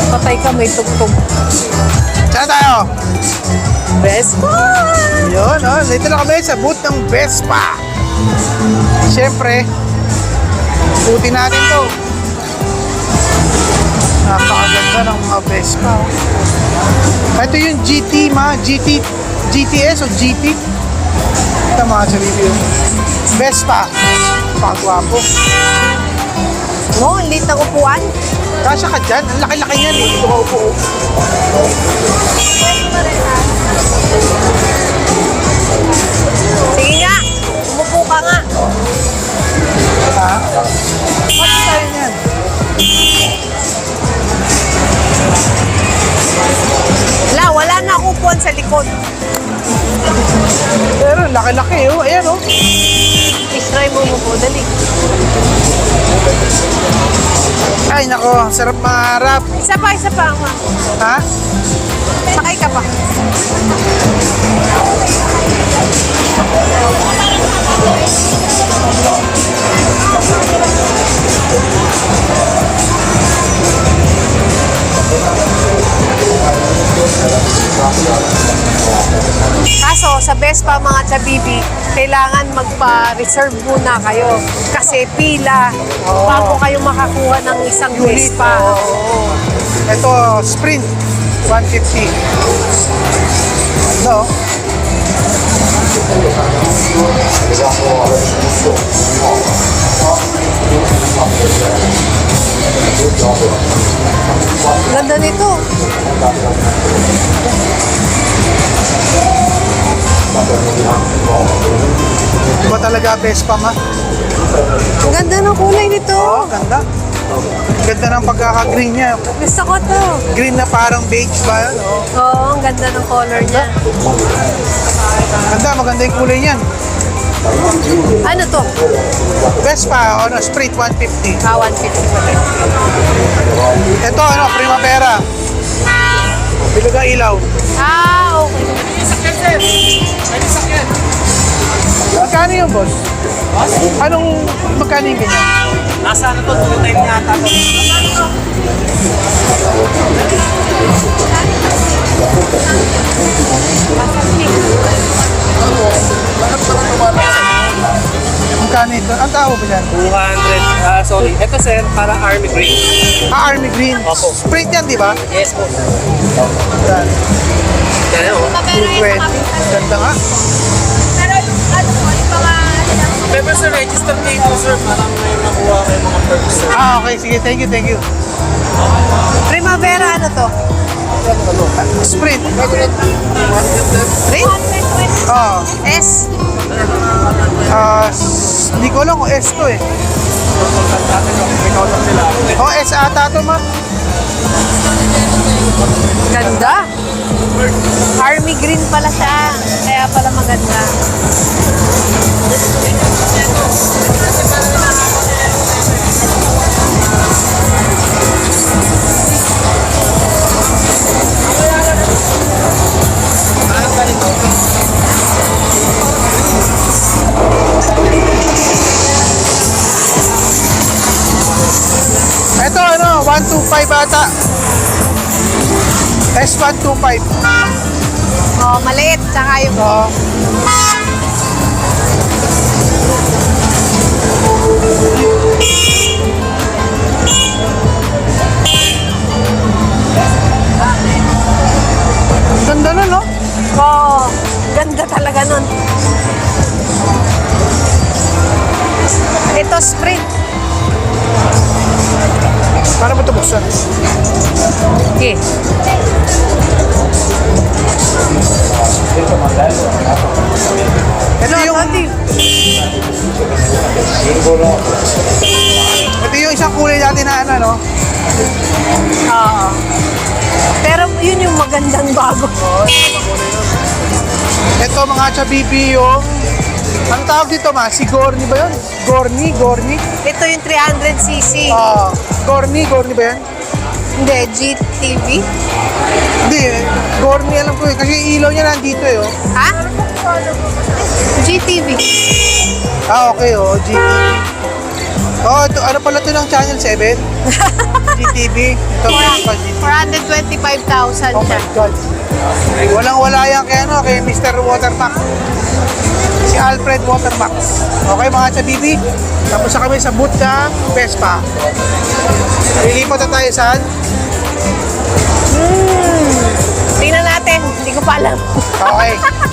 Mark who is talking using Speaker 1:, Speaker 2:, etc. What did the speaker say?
Speaker 1: Patay ka, may tugtog.
Speaker 2: Saan tayo?
Speaker 1: Vespa!
Speaker 2: Yun, oh. Dito na kami sa booth ng Vespa. Siyempre, puti natin to. Napakaganda ng mga Vespa. Oh. Ito yung GT, GTS o GT. Ito mga sa video. Vespa. Pagwapo.
Speaker 1: No, ang lit ng upuan.
Speaker 2: Kasya ka dyan. Ang laki-laki yan eh. Dito ka upo.
Speaker 1: Sige nga, umupo ka nga.
Speaker 2: Ha? Bakit tayo yan?
Speaker 1: Wala na akong upuan sa likod.
Speaker 2: Pero laki-laki oh. Ayan oh.
Speaker 1: Try mo umupo, dali.
Speaker 2: Ay nako, sarap maharap.
Speaker 1: Isa pa, ma.
Speaker 2: Ha?
Speaker 1: Sakay ka pa. Kaso sa Vespa mga chabibi, kailangan magpa-reserve muna kayo kasi pila bago kayo makakuha ng isang Vespa.
Speaker 2: Oo. Ito, Sprint 150. No?
Speaker 1: Ganda nito.
Speaker 2: Iba talaga Vespa ma.
Speaker 1: Ang ganda ng kulay nito.
Speaker 2: Oo, ganda. Ganda ng pagkaka-green niya.
Speaker 1: Gusto ko to.
Speaker 2: Green na parang beige ba yun? Oo.
Speaker 1: Oo, ang ganda ng color niya.
Speaker 2: Ganda, maganda yung kulay niyan.
Speaker 1: Ano to?
Speaker 2: Vespa, ano, Sprint 150.
Speaker 1: 150 pa rin.
Speaker 2: Ito, ano, Primavera. Bilog ang ilaw.
Speaker 1: Okay.
Speaker 2: Magkano yung boss? Anong magkano yung ganyan?
Speaker 3: Nasa ano to, 2 time yata to.
Speaker 2: Magkano ito? Ang tao ba yan?
Speaker 3: 200, sorry. Ito sir, para army green.
Speaker 2: Army Green.
Speaker 3: Opo.
Speaker 2: Sprint yan, di ba?
Speaker 3: Yes po.
Speaker 2: Yan.
Speaker 3: Yan o.
Speaker 2: 220. Ganda nga.
Speaker 1: Pero yung ano po, yung mga...
Speaker 3: Pero sir, register dito sir, para may makuha kayo mga perks sir.
Speaker 2: Okay. Sige. Thank you.
Speaker 1: Primavera, ano to?
Speaker 2: Sprint.
Speaker 1: Rin?
Speaker 2: Oo.
Speaker 1: S?
Speaker 2: Hindi ko alam kung S to eh. Oh, S ata to ma.
Speaker 1: Ganda. Army green pala siya. Kaya pala maganda.
Speaker 2: Ito ano, 125 ata. S125.
Speaker 1: Oh, maliit. Tsaka yung...
Speaker 2: Oo. Ganda na no?
Speaker 1: Oh, ganda talaga nun. Ito, Sprint.
Speaker 2: Paano ba ito buksan?
Speaker 1: Okay.
Speaker 2: Ito yung... Ito yung isang kulay natin na ano, no?
Speaker 1: Oo. Pero yun yung magandang bago.
Speaker 2: Ito mga chabibi yung... Ang tawag dito ma? Si Gorni ba yun? Gorni?
Speaker 1: Ito yung 300cc.
Speaker 2: Gorni ba yan?
Speaker 1: Hindi, GTV.
Speaker 2: Hindi, Gorni alam ko eh. Kasi yung ilaw niya nandito eh. Oh.
Speaker 1: Ha? GTV.
Speaker 2: Okay, GT. Ito, ano pala ito ng Channel 7? GTV. Ito, Vespa GTV.
Speaker 1: 425,000
Speaker 2: Oh
Speaker 1: siya.
Speaker 2: my God. Walang-wala yan kay, ano, kay Mr. Watermax. Si Alfred Watermax. Okay mga chabibi? Tapos na kami sa booth ng Vespa. Lilipat na tayo saan?
Speaker 1: Tingnan natin. Hindi ko pa alam.
Speaker 2: Okay.